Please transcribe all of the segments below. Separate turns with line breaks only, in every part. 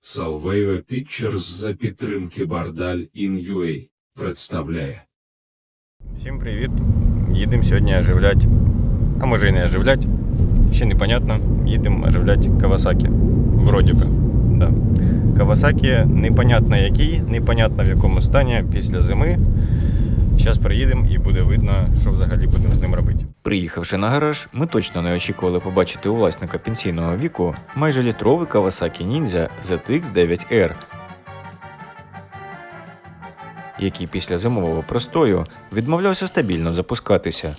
Salveo Pictures за підтримки Бардаль In.UA представляє.
Всім привіт! Їдемо сьогодні оживлять, а може і не оживлять, ще непонятно. Їдемо оживлять Кавасакі. Вроді би, да. Кавасакі непонятно який, непонятно в якому стані після зими. Зараз приїдемо і буде видно, що взагалі будемо з ним робити. Приїхавши на гараж, ми точно не очікували побачити у власника пенсійного віку майже літровий Kawasaki Ninja ZX-9R, який після зимового простою відмовлявся стабільно запускатися.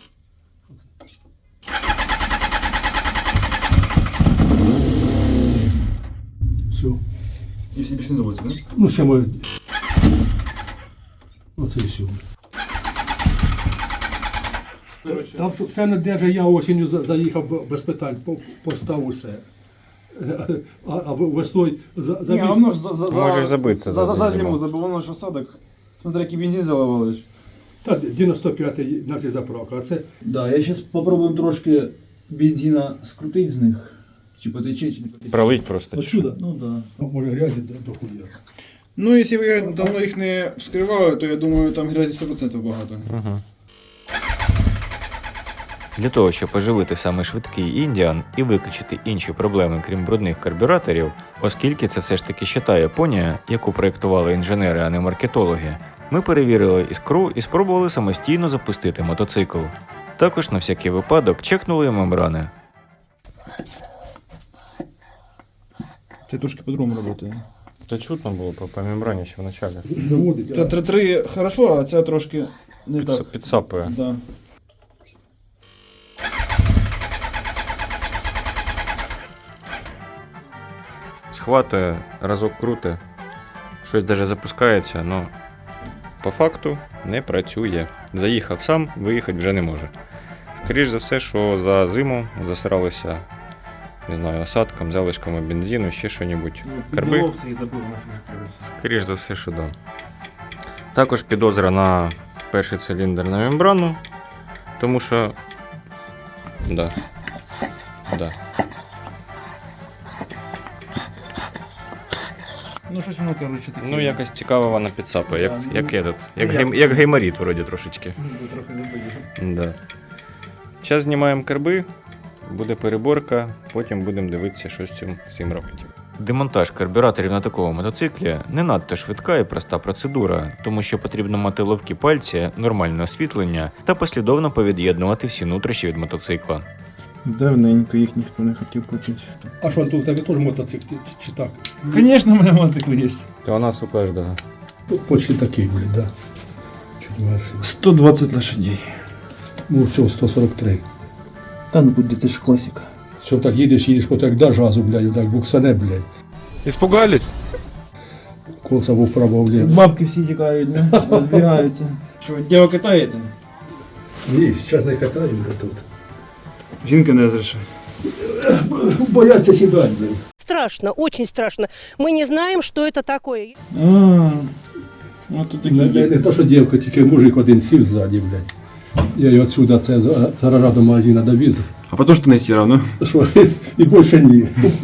Все.
Если більше не заводиться, да?
Ну, ще ми. Оце і все. Там все не держить, я осінню заїхав без питань, постав усе. А весною
Ні, а воно ж
Можеш забитися
за
за
зиму
зиму.
забив, воно ж осадок. Смотри, який бензин заливали ж.
Та 95-й на цій заправка, а це
Да, я сейчас попробуем трошки бензина скрутить з них. Чи потече, чи не потече.
Пролить просто.
отсюда.
Ну да.
Може грязі до хуя.
Ну, якщо ви давно їх не вскривали, то я думаю, там грязі 100% багато.
Угу. Для того, щоб оживити саме швидкий Індіан і виключити інші проблеми, крім брудних карбюраторів, оскільки це все ж таки щита Японія, яку проєктували інженери, а не маркетологи, ми перевірили іскру і спробували самостійно запустити мотоцикл. Також на всякий випадок чекнули мембрани.
Це трошки по-другому працює.
Та чутно було по мембрані ще в началі.
Заводить.
Та 3-3 хорошо, а ця трошки не так.
Підсапує.
Да.
Схватує, разок круте, щось даже запускається, але по факту не працює. Заїхав сам, виїхати вже не може. Скоріше за все, що за зиму засралися, не знаю, осадком, залишками бензину, ще що-небудь. Карби?
і забив нафіг.
Скоріше за все, що да. Також підозра на перший циліндр на мембрану, тому що да.
Ну, щось воно, коротше, таке.
Ну, якось цікаво вона підсапує, як
як-
як гейморіт вроді трошечки.
Трохи забив.
Да. Зараз знімаємо карби, буде переборка, потім будемо дивитися, що з цим робити. Демонтаж карбюраторів на такому мотоциклі не надто швидка і проста процедура, тому що потрібно мати ловкі пальці, нормальне освітлення та послідовно повід'єднувати всі нутрощі від мотоцикла.
Давненько їх ніхто не хотів купити.
А що, тут у тебе теж мотоцикл чи так?
Звісно, у мене мотоцикл є.
Та у нас у кожного.
Тут почти такий, блін, да. Чуть менше.
120 лошадей.
Ну, цього 143.
Та ну куди, це ж класика.
Що так їдеш, хоч як даш газу, блядь, так буксане, блядь.
Испугались?
Колса вправо вліво.
Бабки всі тікають, да? Розбігаються.
Що, діло катаєте?
Ні, зараз не катаю, блядь, тут.
Жінка не розрішає.
Бояться сідати, блядь.
Страшно, очень страшно. Мы не знаем, что это такое.
От тут
Не, не то, що дівка, тільки мужик один сів ззаді, блядь. Я його отсюда це зараз до магазина довіз.
А потім що не сіра, ну?
Що, і більше ні.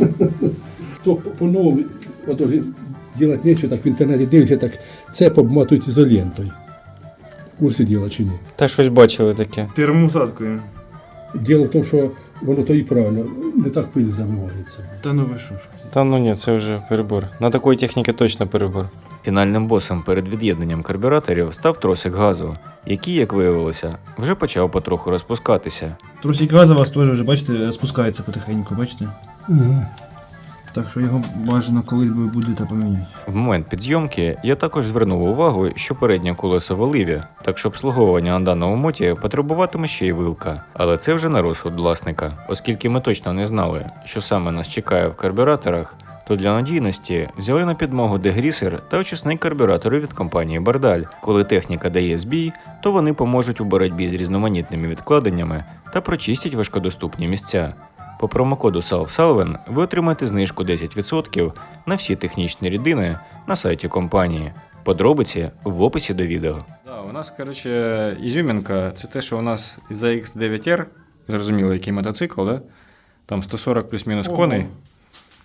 То по-новому, отож, делать нечего, так в інтернеті дивишся, так це обматують ізолентою. В курсі діла чи ні?
Та щось бачили таке.
Термоусадкою.
Діло в тому, що воно то і правильно, не так пиль забивається.
Та ну ви що ж.
Та ну ні, це вже перебор. На такої техніки точно перебор. Фінальним босом перед від'єднанням карбюраторів став тросик газу, який, як виявилося, вже почав потроху розпускатися.
Трусик газу у вас теж вже, бачите, спускається потихеньку, бачите?
Ага.
Так що його бажано колись би буде поміняти.
В момент підзйомки я також звернув увагу, що переднє колесо в оливі, так що обслуговування на даному моті потребуватиме ще й вилка. Але це вже на розсуд власника. Оскільки ми точно не знали, що саме нас чекає в карбюраторах, то для надійності взяли на підмогу дегрісер та очисник карбюратору від компанії Бардаль. Коли техніка дає збій, то вони поможуть у боротьбі з різноманітними відкладеннями та прочистять важкодоступні місця. По промокоду SALVSALVEN ви отримаєте знижку 10% на всі технічні рідини на сайті компанії. Подробиці в описі до відео. Да, у нас, коротше, ізюмінка – це те, що у нас ZX-9R, зрозуміло, який мотоцикл, да? Там 140 плюс-мінус коней.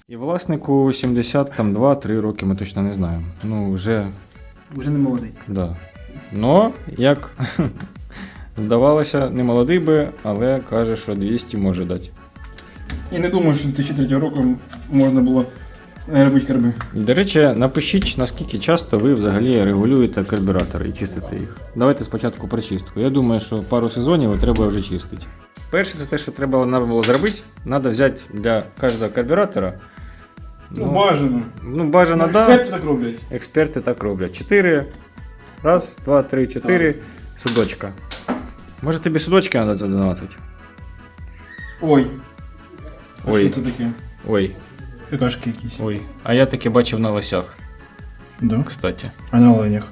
І власнику 72-3 роки, ми точно не знаємо. Ну, вже,
Уже не молодий.
да. Но, як здавалося, не молодий би, але каже, що 200 може дати.
І не думаю, що 2003 року можна було робити карби.
До речі, напишіть, наскільки часто ви взагалі регулюєте карбюратори і чистите їх. Давайте спочатку про чистку. Я думаю, що пару сезонів треба вже чистити. Перше, це те, що треба було зробити. Треба взяти для кожного карбюратора.
Ну, бажано.
Ну, бажано,
Ну,
да.
експерти так роблять.
Експерти так роблять. 4. Раз, 2, 3, 4. Судочка. Може тобі судочки треба задонатити?
Ой. А
Ой.
що це таке?
Ой,
Какашки якісь.
ой. А я таки бачив на лосях,
Да.
кстати.
А на оленях?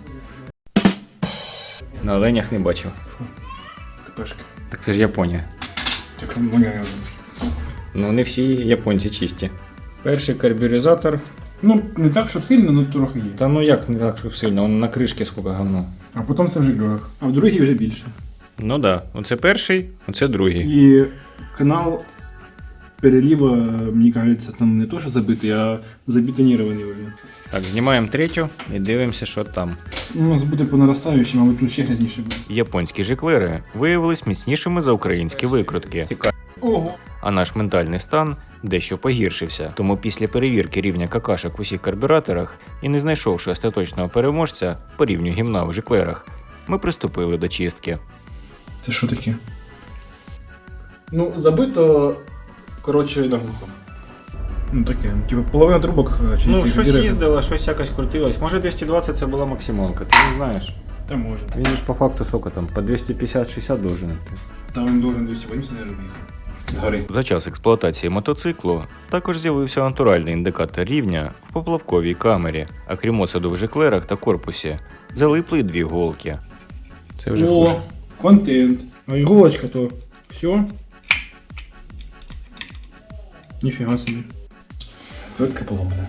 На оленях не бачив.
Какашки.
Так це ж Японія.
Так, моя.
Ну, не всі японці чисті. Перший карбюризатор.
Ну, не так, щоб сильно, але трохи є.
Та ну як не так, щоб сильно, он на кришці скільки говно.
А потім це в жиглюрах. А в другій вже більше.
Ну да, оце перший, оце другий.
І канал перелива, мені кажеться, там не то, що забитий, а забетонірований вже.
Так, знімаємо третю і дивимося, що там.
У нас буде по наростаючій, мабуть, тут ще грязніше буде.
Японські жиклери виявились міцнішими за українські викрутки.
Ого!
А наш ментальний стан дещо погіршився. Тому після перевірки рівня какашок в усіх карбюраторах і не знайшовши остаточного переможця по рівню гімна в жиклерах, ми приступили до чистки.
Це що таке? Ну, забито, коротше, наглухо. Ну таке, типу половина трубок чи
Ну,
цих
щось
дірок.
їздило, щось якось крутилось. Може 220 це була максималка, ти не знаєш.
Та може.
Він ж по факту сколько там, по 250-60 должен йти.
Та він должен 280, не робити. Згори.
За час експлуатації мотоциклу також з'явився натуральний індикатор рівня в поплавковій камері, а крім осаду в жиклерах та корпусі залипли 2 голки. Це вже хуже.
О, контент. А іголочка то все. Ніфіга собі. Твердка поломана.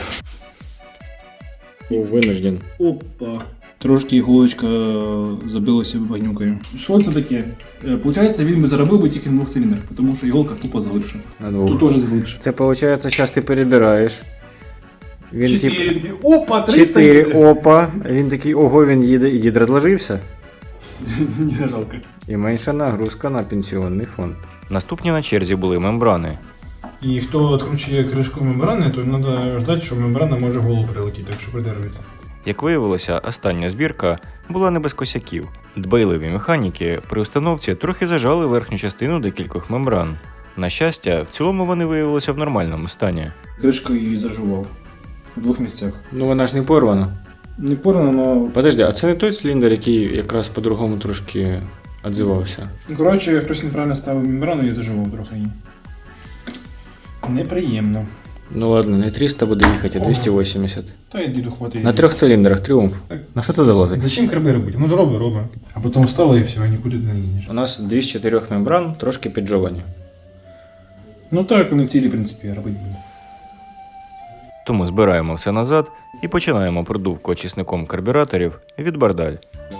Був винужден.
Опа. Трошки іголочка забилася багнюкою. Що це таке? Получається, він би заробив би тільки на 2 циліндрах, тому що іголка тупо залипша.
На двох.
Тут теж залипша.
Це виходить, зараз ти перебираєш. Він
4, такий, опа, 300
4, опа. Він такий, ого, він їде, і дід розложився.
Не жалко.
І менша нагрузка на пенсіонний фонд. Наступні на черзі були мембрани.
І хто відкручує кришку мембрани, то треба ждати, що мембрана може в голову прилетіти, так що придержуйте.
Як виявилося, остання збірка була не без косяків. Дбайливі механіки при установці трохи зажали верхню частину декількох мембран. На щастя, в цілому вони виявилися в нормальному стані.
Кришку її зажував. В 2 місцях.
Ну вона ж не порвана.
Не порано, але...
Подожди, а це не той циліндр, який якраз по-другому трошки відзивався?
Коротше, хтось неправильно ставив мембрану і зажував трохи її. Неприємно.
Ну ладно, не 300 буде їхати, а 280.
Та й діду хватить.
На 3 циліндрах тріумф.
Так.
На що туди лазить?
Зачем карби робити? Воно ж робить. А потім встало і все, і нікуди не їдеш.
У нас 2 з 4 мембран трошки піджовані.
Ну так, вони в цілі, в принципі, робити будуть.
Тому збираємо все назад і починаємо продувку очисником карбюраторів від Бардаль.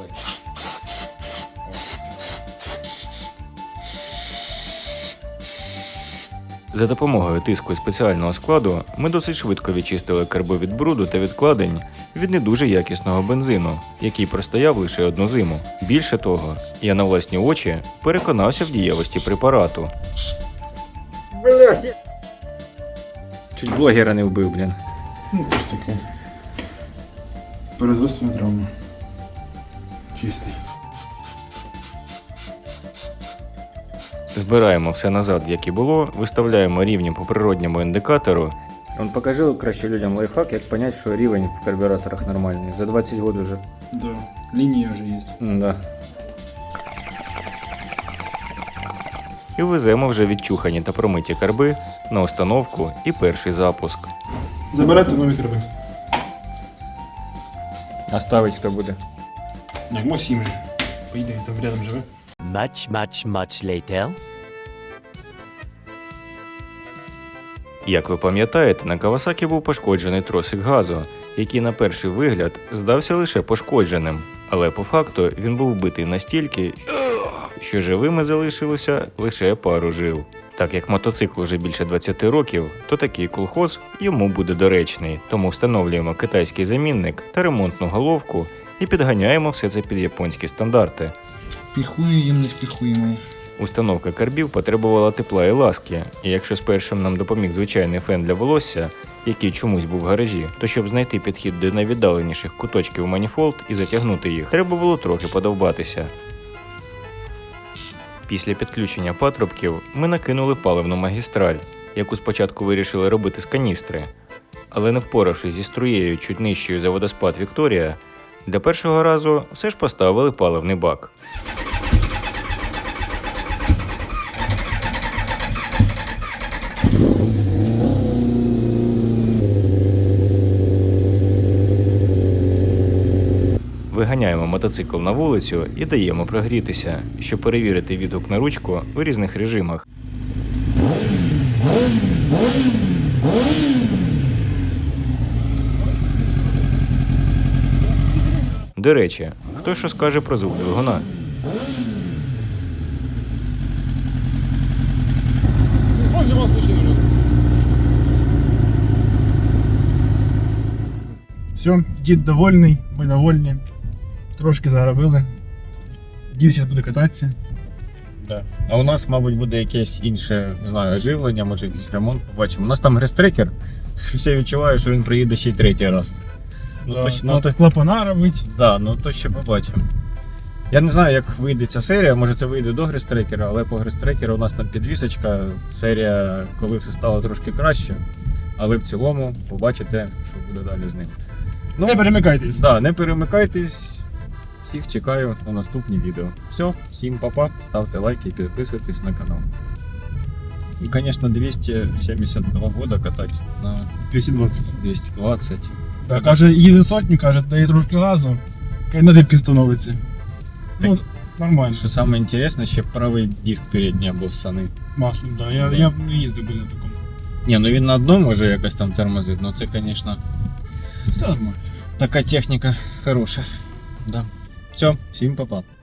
За допомогою тиску спеціального складу ми досить швидко відчистили карби від бруду та відкладень від не дуже якісного бензину, який простояв лише 1 зиму. Більше того, я на власні очі переконався в дієвості препарату. Чуть блогера не вбив, блін.
Ну це ж таке. Перезростна травма. Чистий.
Збираємо все назад, як і було, виставляємо рівні по природньому індикатору. Он покажи краще людям лайфхак, як зрозуміти, що рівень в карбюраторах нормальний. За 20 років вже.
Да. Лінія вже є.
Да. І веземо вже відчухані та промиті карби на установку і перший запуск.
Забирайте нові карби.
А ставить хто буде?
Як Максим же. Поїде, він там рядом живе.
Much later.
Як ви пам'ятаєте, на Кавасакі був пошкоджений тросик газу, який на перший вигляд здався лише пошкодженим. Але по факту він був вбитий настільки, що живими залишилося лише пару жил. Так як мотоцикл уже більше 20 років, то такий колхоз йому буде доречний, тому встановлюємо китайський замінник та ремонтну головку і підганяємо все це під японські стандарти.
Піхуємо, не впіхуємо.
Установка карбів потребувала тепла і ласки, і якщо спершу нам допоміг звичайний фен для волосся, який чомусь був в гаражі, то щоб знайти підхід до найвіддаленіших куточків маніфолд і затягнути їх, треба було трохи подовбатися. Після підключення патрубків ми накинули паливну магістраль, яку спочатку вирішили робити з каністри, але не впоравшись зі струєю чуть нижчою за водоспад Вікторія, для першого разу все ж поставили паливний бак. Виганяємо мотоцикл на вулицю і даємо прогрітися, щоб перевірити відгук на ручку у різних режимах. До речі, хто що скаже про звук двигуна?
Все, дід довольний, ми довольні. Трошки заробили. Дід зараз буде кататися.
Да. А у нас, мабуть, буде якесь інше, не знаю, оживлення, може якийсь ремонт, побачимо. У нас там грестрекер, все відчуваю, що він приїде ще й третій раз.
То клапана робить.
Да, ну то ще побачимо. Я не знаю, як вийде ця серія, може це вийде до грестрекера, але по грестрекеру у нас там підвісочка, серія, коли все стало трошки краще, але в цілому побачите, що буде далі з ним.
Ну, не перемикайтесь.
Да, не перемикайтесь, всіх чекаю на наступні відео. Все, всім па-па, ставте лайки і підписуйтесь на канал. І, звісно, 272 года катати на
220.
220.
Так, каже, їде сотню, каже, дає трошки газу, каже, на дибки становиться. Ну, нормально.
Що саме інтересне, ще правий диск передній або ссаний.
Маслом, да. Я не їздив би на такому.
Ні, ну він на одному може якось там тормозить, ну це, звісно,
Та нормально.
така техніка хороша. Да. Все, всім па-па.